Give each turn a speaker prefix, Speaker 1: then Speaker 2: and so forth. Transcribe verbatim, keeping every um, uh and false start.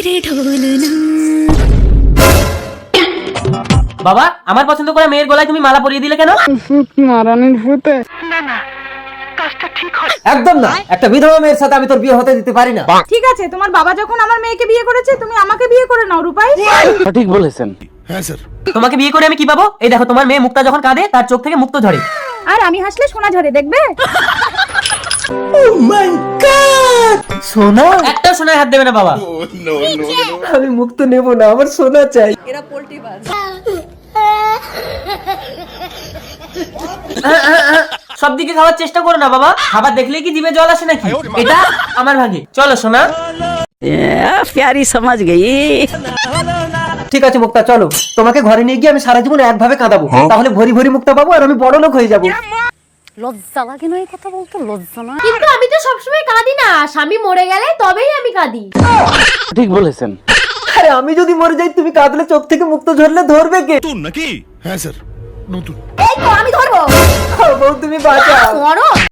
Speaker 1: বাবা, আমার পছন্দ করে মেয়ের গলায় তুমি মালা পরিয়ে দিলে কেন?
Speaker 2: মারানির ভূতে।
Speaker 3: একদম না, একটা বিধবা মেয়ের সাথে আমি তোর বিয়ে হতে দিতে পারি না।
Speaker 2: ঠিক আছে, তোমার বাবা যখন আমার মেয়েকে বিয়ে করেছে, তুমি আমাকে বিয়ে করে নাও রূপাই।
Speaker 3: সঠিক বলেছেন।
Speaker 1: তোমাকে বিয়ে করে আমি কি পাবো? এই দেখো, তোমার মেয়ে মুক্তা যখন কাঁদে তার চোখ থেকে মুক্ত ঝরে।
Speaker 2: আর আমি হাসলে সোনা ঝরে, দেখবে?
Speaker 3: সোনা?
Speaker 1: একটা সোনায় হাত দেবে না বাবা।
Speaker 3: আমি মুক্ত নেব না, আমার সোনা চাই।
Speaker 2: এরা পোল্ট্রি বাজ।
Speaker 1: সব দিকে খাওয়ার চেষ্টা করো না বাবা, খাবার দেখলেই কি জিভে জল আসে নাকি? এটা আমার ভাগে। চলো সোনা।
Speaker 4: प्यारी समझ गई।
Speaker 3: ঠিক আছে মুক্তা, চলো তোমাকে ঘরে নিয়ে গিয়ে আমি সারা জীবন একভাবে কাঁদাবো, তাহলে ভরি ভরি মুক্তা পাবো আর আমি বড় লোক হয়ে যাবো।
Speaker 4: লজ্জা লাগে না এই কথা বলতে? লজ্জা না?
Speaker 5: কিন্তু আমি তো সবসময় কাঁদি না, স্বামী মরে গেলে তবেই আমি কাঁদি।
Speaker 3: ঠিক বলেছেন। আরে আমি যদি মরে যাই, তুমি কাঁদলে চোখ থেকে মুক্ত ঝরলে ধরবে কে?
Speaker 6: নতুন নাকি? হ্যাঁ স্যার, নতুন।
Speaker 5: এই তো আমি ধরবো।
Speaker 3: বউ তুমি বাঁচাও।
Speaker 5: মরো।